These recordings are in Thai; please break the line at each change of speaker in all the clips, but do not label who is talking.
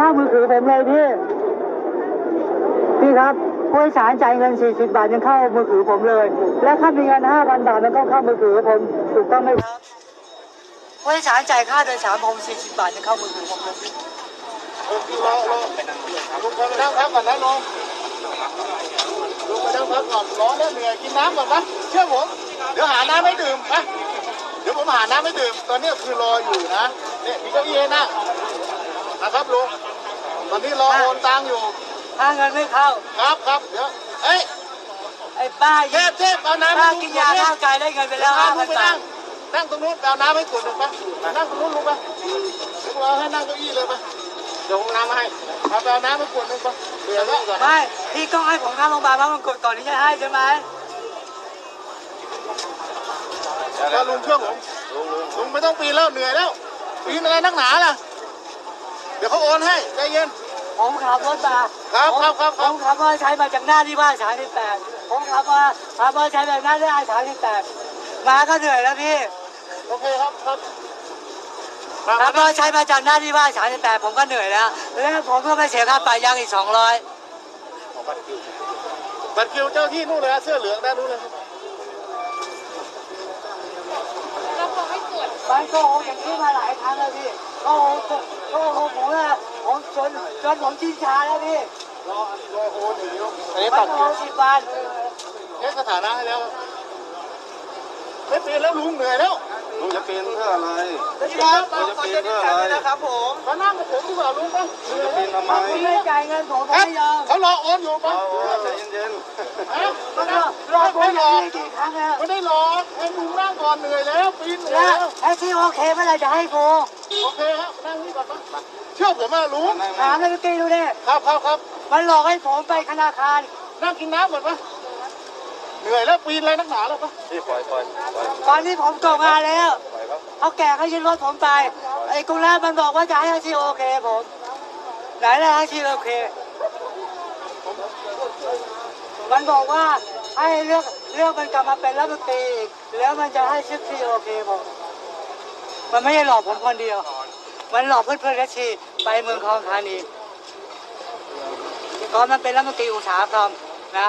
ข้ามือถือผมเลยพี่ครับผู้โดยสารจ่ายเงิน40 บาทยังเข้ามือถือผมเลยและถ้ามีเงิน5,000 บาทมันก็เข้ามือถือผมถูกต้องไหมครับผู้โดยสารจ่ายค่าโดยสารผม40 บาทยังเข้ามือถือผมเลย
รอลุงไปนั่งพักก่อนนะลุงไปนั่งพักก่อนร้อนแล้วเหนื่อยกินน้ำก่อนนะเชื่อผมเดี๋ยวหาน้ำให้ดื่มนะเดี๋ยวผมหาน้ำให้ดื่มตอนนี้คือรออยู่นะเนี่ยมีเก้าอี้นะครับลุงตอนนี้รอโอนตังอยู่
ถ้าเงินไม่เข้า
ครับเดี๋ยวไอ้
ป้า
เทพเอาน้ำ
ป้ากินยาข้าวใจได้เงินไปแล้ว5,000 บาท
นั่งตรงนู้นเอาน้ำให้ขวดหนึ่งไปนั่งตรงนู้นลุงไปเดี๋ยวเราให้นั่งเก้าอี้เลยไปเดี๋ยวน้ำมาให้เอาน้ำให้ขวดหนึ่งไปเดี๋ยว
ไม่พี่ต้องให้ผมเข้าโรงพยาบาลเพราะมันกดก่อนที่จะให้ใช่ไหม
แล้วลุงเชื่อผมลุงไม่ต้องปีนแล้วเหนื่อยแล้วปีนอะไรนักหนาล่ะเดี๋ยวเขาโอนให้ใจเย็น
ผมขับรถมาผมขับมอเตอร์ไซค์มาจากหน้าที่บ้าน38ผมขับมอเตอร์ไซค์จากหน้าที่บ้าน38มาก็เหนื่อยแล้วพี่
โอเคครับ
ขับมอเตอร์ไซค์มาจากหน้าที่บ้าน38ผมก็เหนื่อยแล้วผมก็ไปเสียค่าปรับยางอีก200
บัตรคิวเจ้าที่นู่นเลยเสื้อเหลืองด้านนู้นเลย
มันโกหกอย่างนี้มาหลายครั้งแล้วพี่โกหกผมนะผมจนผมชินชาแล้วพี่
รอโอนอยู่อันนี้
ตัดคิว10 บาท
เช็คสถานะให้แล้วไม่เปลี่ยนแล้วลุงเหนื่อยแล้ว
ลุงจะเปลี่ยนเพื่ออะไร
ลุง
จะเปลี่ยนเพื่ออะไร
นะครับผมมานั่งกับผมดีกว่าลุงป่ะ
จะเปลี่ยนทำไม
คุณไม่จ่ายเงินผมไม่ยอม
เขารอโอนอยู่ป่ะ
ใจเย็น
รอผมอย่างนี้กี่ครั้งแล้ว
ไม่ได้รอให้ลุงนั่งก่อนเหนื่อยแล้วปีนเหนื่อยแล้ว
ไอ้ที่โอเคเมื่อไรจะให้กู
โอเคครับนั่งนี่ก่อนป่ะเชื่อผมมาลุง
ถามเลยเมื่อกี้ดูดิ
ครับ
มันหลอกให้ผมไปธนาคาร
นั่งกินน้ำก่อนป่ะเหนื่อยแล้วปีนอะไรนักหนาแล้วป่ะ
ปล่อย
ตอนนี้ผมตกงานแล้วเขาแก่เขายึดรถผมไปไอ้กุลามันบอกว่าจะให้อาชีพโอเคผมไหนล่ะอาชีพโอเคมันบอกว่าให้เลือกมันกลับมาเป็นรัฐมนตรีอีกแล้วมันจะให้ชื่อที่โอเคผมมันไม่ได้หลอกผมคนเดียวมันหลอกเพื่อนๆและชีไปเมืองทองธานีตอนมันเป็นรัฐมนตรีอุตสาหกรรมนะ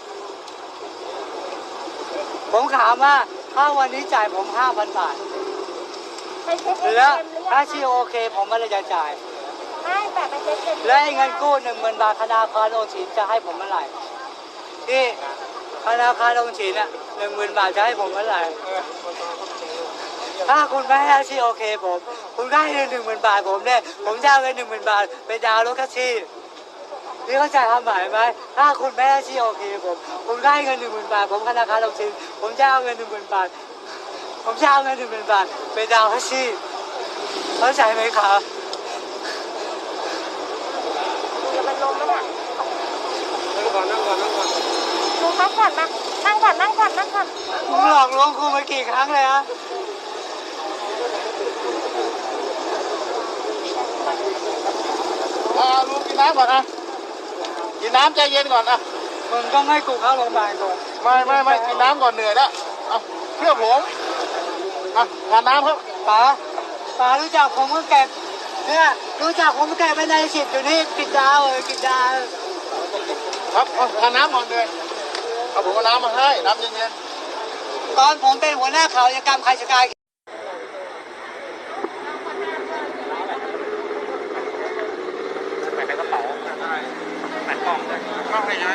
ผมถามว่าถ้าวันนี้จ่ายผม 5,000 บาทแล้วถ้าชีโอเคผมไม่ได้จะจ่ายและเงินกู้10,000 บาทธนาคารออมสินจะให้ผมเมื่อไหร่ที่ธนาคารออมสินอ่ะ10,000 บาทจะให้ผมเมื่อไหร่ถ้าคุณไม่ให้ชีโอเคคุณก็ให้เงิน10,000 บาทผมเนี่ยผมจะเอาเงิน10,000 บาทไปดาวน์รถแท็กซี่นี่เข้าใจความหมายไหมถ้าคุณไม่ให้ชีโอเคผมก็ให้เงิน10,000 บาทผมธนาคารออมสินผมจะเอาเงิน10,000 บาทผมจะเอาเงิน10,000 บาทไปดาวน์แท็กซี่เข้าใจไหมครับ
มันลงแล้วเนี่ย
นั่งก่อน
ลุงพักก่อนมานั่งก่อน
คุณหลอกลวงครูมากี่ครั้งเลยฮะ
ลุงกินน้ำก่อนนะกินน้ำใจเย็นก่อนนะ
มึงต้องให้กูเข้าโรงพยาบาลก่อน
ไม่กินน้ำก่อนเหนื่อยแล้วเชื่อผมทานน้ำครับ
ป๋ารู้จักผมก็แก่เนี่ยรู้จักผมแก่ไปใน10อยู่นี่กินดาว
ครับทานน้ำก่อนเลยเอาผมเอาน้ำมาให้น้ำเย็น
ๆตอนผมเป็นหัวหน้าข่าวกิจกรรมใครชะกาย
ใส่กระเป๋าใส่กล่องเลยก็ให้ย้าย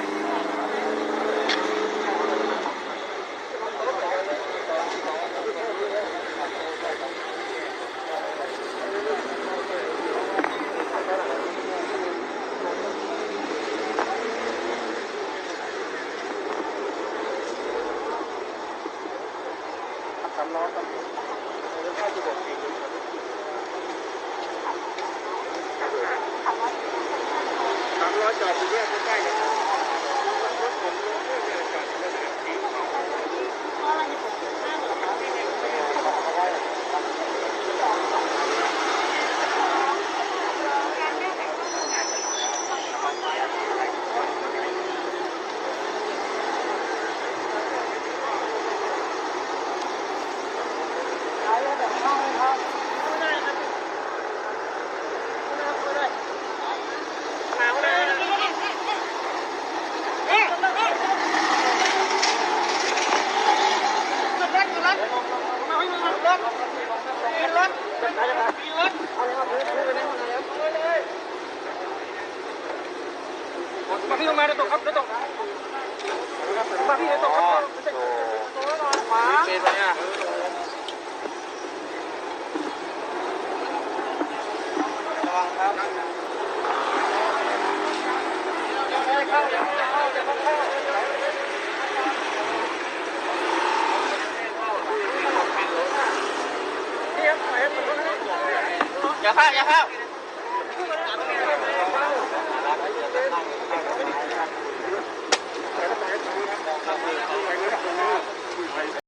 300จอดอยู่ด้วยใกล้ๆกันรถผมรถเพื่อนจอดอยู่ด้วยมาพี่ลงมาเดี๋ยวตกครับเดี๋ยวตกมาพี่เดี๋ยวตกครับขวาเป็นไปอ่ะระวังครับอย่าเข้า